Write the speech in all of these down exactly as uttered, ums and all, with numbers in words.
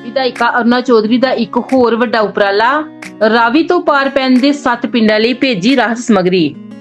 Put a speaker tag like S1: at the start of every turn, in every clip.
S1: ਵਿਧਾਇਕਾ ਅਰੁਣਾ ਚੌਧਰੀ ਦਾ ਇੱਕ ਹੋਰ ਵੱਡਾ ਉਪਰਾਲਾ, ਰਾਵੀ ਤੋਂ ਪਾਰ ਪੈਂਦੇ ਸੱਤ ਪਿੰਡਾਂ ਲਈ ਭੇਜੀ ਰਾਹਤ ਸਮੱਗਰੀ।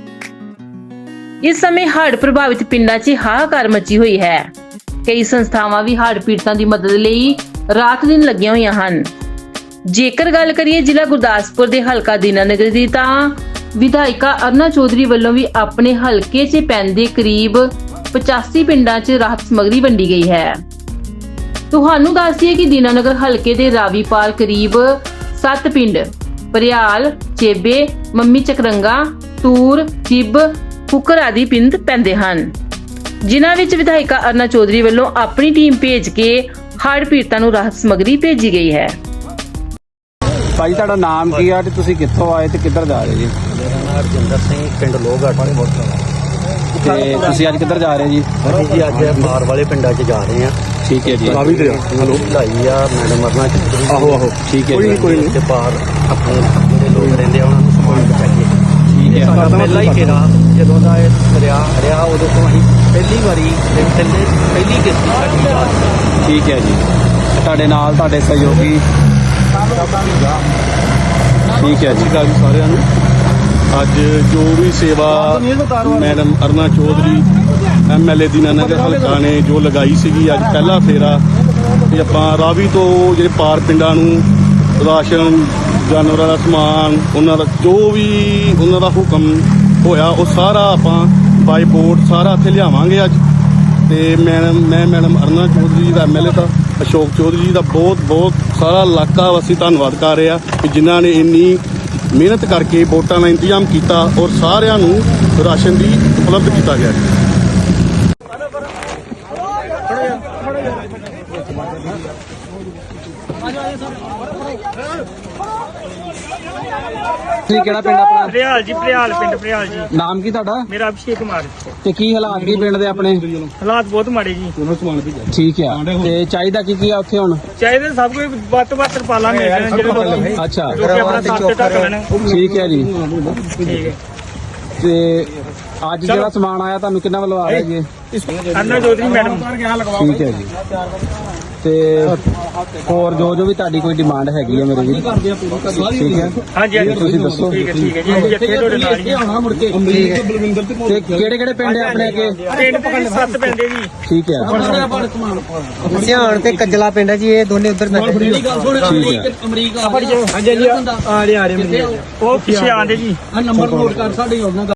S1: ਇਸ ਸਮੇਂ ਹੜ੍ਹ ਪ੍ਰਭਾਵਿਤ ਪਿੰਡਾਂ 'ਚ ਹਾਹਾਕਾਰ ਮਚੀ ਹੋਈ ਹੈ। ਕਈ ਸੰਸਥਾਵਾਂ ਵੀ ਹੜ੍ਹ ਪੀੜਤਾਂ ਦੀ ਮਦਦ ਲਈ ਰਾਤ ਦਿਨ ਲੱਗੀਆਂ ਹੋਈਆਂ ਹਨ। ਜੇਕਰ ਗੱਲ ਕਰੀਏ ਜ਼ਿਲ੍ਹਾ ਗੁਰਦਾਸਪੁਰ ਦੇ ਹਲਕਾ ਦੀਨਾਨਗਰ ਦੀ, ਤਾਂ ਵਿਧਾਇਕਾ ਅਰੁਣਾ ਚੌਧਰੀ ਵੱਲੋਂ ਵੀ ਆਪਣੇ ਹਲਕੇ 'ਚ ਪੈਂਦੇ ਕਰੀਬ ਪਚਾਸੀ ਪਿੰਡਾਂ 'ਚ ਰਾਹਤ ਸਮੱਗਰੀ ਵੰਡੀ ਗਈ ਹੈ। ਤੁਹਾਨੂੰ ਦੱਸ ਦਈਏ ਕਿ ਦੀਨਾਨਗਰ ਹਲਕੇ ਦੇ ਰਾਵੀ ਪਾਰ ਕਰੀਬ ਸੱਤ ਪਿੰਡ ਭਰਿਆਲ, ਚੇਬੇ, ਮੰਮੀ ਚੱਕਰੰਗਾ, ਤੂਰ, ਚਿੱਬ, ਕੁੱਕਰ ਆਦਿ ਪਿੰਡ ਪੈਂਦੇ ਹਨ, ਜਿਨ੍ਹਾਂ ਵਿੱਚ ਵਿਧਾਇਕਾ ਅਰੁਣਾ ਚੌਧਰੀ ਵੱਲੋਂ ਆਪਣੀ ਟੀਮ ਭੇਜ ਕੇ ਹੜ੍ਹ ਪੀੜਤਾਂ ਨੂੰ ਰਾਹਤ ਸਮੱਗਰੀ ਭੇਜੀ ਗਈ ਹੈ।
S2: ਭਾਈ ਤੁਹਾਡਾ ਨਾਮ ਕੀ ਆ ਤੇ ਤੁਸੀਂ ਕਿੱਥੋਂ ਆਏ ਤੇ ਕਿੱਧਰ ਜਾ ਰਹੇ ਜੀ?
S3: ਮੇਰਾ ਨਾਮ ਹਰਜਿੰਦਰ ਸਿੰਘ, ਪਿੰਡ ਲੋਹਗੜ੍ਹ
S2: ਤੇ ਤੁਸੀਂ ਅੱਜ ਕਿੱਧਰ ਜਾ ਰਹੇ ਜੀ?
S3: ਅਸੀਂ ਜੀ ਅੱਜ ਮਾਰ ਵਾਲੇ ਪਿੰਡਾਂ 'ਚ ਜਾ ਰਹੇ ਹਾਂ।
S2: ਠੀਕ ਹੈ ਜੀ।
S3: ਰਾਵੀ ਤੇ ਹਲੋ ਲਾਈ ਆ ਮੈਡਮ ਅਰੁਣਾ ਚੌਧਰੀ।
S2: ਆਹੋ ਆਹੋ ਠੀਕ ਹੈ ਜੀ।
S3: ਕੋਈ ਨਹੀਂ ਤੇ ਪਾਰ ਆਪਣੇ ਜਿਹੜੇ ਲੋਕ ਰਹਿੰਦੇ ਆ ਉਹਨਾਂ ਨੂੰ ਸਮਾਨ ਪਹੁੰਚਾਈਏ।
S2: ਠੀਕ ਹੈ।
S3: ਸਾਡਾ ਪਹਿਲਾ ਹੀ ਫੇਰਾ ਜਦੋਂ ਦਾ ਇਹ ਦਰਿਆ ਰਿਹਾ, ਉਦੋਂ ਤੋਂ ਅਸੀਂ ਪਹਿਲੀ ਵਾਰੀ ਪਹਿਲੇ ਪਹਿਲੀ ਕਿਸ਼ਤੀ ਸਾਡੀ ਆ।
S2: ਠੀਕ ਹੈ ਜੀ। ਤੁਹਾਡੇ ਨਾਲ ਤੁਹਾਡੇ ਸਹਿਯੋਗੀ। ਠੀਕ ਹੈ ਜੀ।
S4: ਜੀ ਸਾਰਿਆਂ ਨੂੰ ਅੱਜ ਜੋ ਵੀ ਸੇਵਾ madam Aruna Chaudhary M L A Dinanagar ਹਲਕਾ ਨੇ ਜੋ ਲਗਾਈ ਸੀਗੀ, ਅੱਜ ਪਹਿਲਾ ਫੇਰਾ ਤੇ ਆਪਾਂ ਰਾਵੀ ਤੋਂ ਜਿਹੜੇ ਪਾਰ ਪਿੰਡਾਂ ਨੂੰ ਰਾਸ਼ਨ, ਜਾਨਵਰਾਂ ਦਾ ਸਮਾਨ, ਉਹਨਾਂ ਦਾ ਜੋ ਵੀ ਉਹਨਾਂ ਦਾ ਹੁਕਮ ਹੋਇਆ ਉਹ ਸਾਰਾ ਆਪਾਂ ਬਾਈ ਬੋਟ ਸਾਰਾ ਇੱਥੇ ਲਿਆਵਾਂਗੇ ਅੱਜ। ਤੇ ਮੈਂ ਮੈਂ ਮੈਡਮ ਅਰੁਣਾ ਚੌਧਰੀ ਦਾ ਐਮ ਐਲ ਏ ਦਾ ਅਸ਼ੋਕ ਚੌਧਰੀ ਜੀ ਦਾ ਬਹੁਤ ਬਹੁਤ ਸਾਰਾ ਇਲਾਕਾ ਵਾਸੀ ਧੰਨਵਾਦ ਕਰ ਰਿਹਾ ਕਿ ਜਿਨ੍ਹਾਂ ਨੇ ਇੰਨੀ ਮਿਹਨਤ ਕਰਕੇ ਵੋਟਾਂ ਦਾ ਇੰਤਜ਼ਾਮ ਕੀਤਾ ਔਰ ਸਾਰਿਆਂ ਨੂੰ ਰਾਸ਼ਨ ਦੀ ਉਪਲਬਧ ਕੀਤਾ ਗਿਆ।
S2: ਤੁਸੀਂ ਕਿਹੜਾ ਪਿੰਡ ਆਪਣਾ?
S5: ਭਰਿਆਲ ਜੀ, ਭਰਿਆਲ ਪਿੰਡ ਭਰਿਆਲ ਜੀ।
S2: ਨਾਮ ਕੀ ਤੁਹਾਡਾ?
S5: ਮੇਰਾ ਅਭਿਸ਼ੇਕ ਕੁਮਾਰ।
S2: ਤੇ ਕੀ ਹਾਲਾਤ ਕੀ ਪਿੰਡ ਦੇ ਆਪਣੇ?
S5: ਹਾਲਾਤ ਬਹੁਤ ਮਾੜੇ ਜੀ।
S2: ਠੀਕ ਆ। ਤੇ ਚਾਹੀਦਾ ਕੀ ਕੀ ਆ ਉੱਥੇ ਹੁਣ?
S5: ਚਾਹੀਦੇ ਸਭ ਕੋਈ ਵੱਧ ਤੋਂ ਵੱਧ ਤਰਪਾਲਾਂ ਮਿਲ ਜਾਣ ਜਿਹੜੇ
S2: ਅੱਛਾ
S5: ਜੋ ਕਿ ਆਪਣਾ ਸੱਤ ਢੱਕ ਲੈਣ।
S2: ਠੀਕ ਹੈ ਜੀ।
S5: ਠੀਕ ਹੈ।
S2: ਤੇ ਅੱਜ ਜਿਹੜਾ ਸਮਾਨ ਆਇਆ ਤੁਹਾਨੂੰ ਕਿੰਨਾ ਵੱਲੋਂ ਆ ਰਿਹਾ ਜੀ?
S5: ਅਰੁਣਾ ਚੌਧਰੀ ਮੈਡਮ।
S2: ਠੀਕ ਹੈ ਜੀ। ਤੇ ਹੋਰ ਜੋ ਜੋ ਵੀ ਤੁਹਾਡੀ ਕੋਈ ਡਿਮਾਂਡ ਹੈਗੀ ਹੈ ਮੇਰੇ ਵੀ, ਠੀਕ ਹੈ?
S5: ਹਾਂਜੀ ਹਾਂਜੀ
S2: ਤੁਸੀਂ ਦੱਸੋ।
S5: ਠੀਕ ਹੈ ਠੀਕ ਹੈ ਜੀ। ਅਸੀਂ ਇੱਥੇ ਤੁਹਾਡੇ ਨਾਲ ਹੀ ਹਾਂ।
S2: ਤੇ ਕਿਹੜੇ ਕਿਹੜੇ ਪਿੰਡ ਆ ਆਪਣੇ ਅੱਗੇ?
S5: ਪਿੰਡ ਦੇ ਸੱਤ ਪੈਂਦੇ ਜੀ।
S2: ਠੀਕ ਹੈ।
S6: ਧਿਆਨ ਤੇ ਕੱਜਲਾ ਪਿੰਡ ਹੈ ਜੀ, ਇਹ ਦੋਨੇ ਉਧਰ ਪੈਂਦੇ।
S2: ਠੀਕ ਹੈ।
S5: ਹਾਂਜੀ ਹਾਂਜੀ ਆ ਰਹੇ ਆ ਰਹੇ ਉਹ ਪਿੱਛੇ ਆਂਦੇ ਜੀ।
S6: ਨੰਬਰ ਨੋਟ ਕਰ ਸਾਡੇ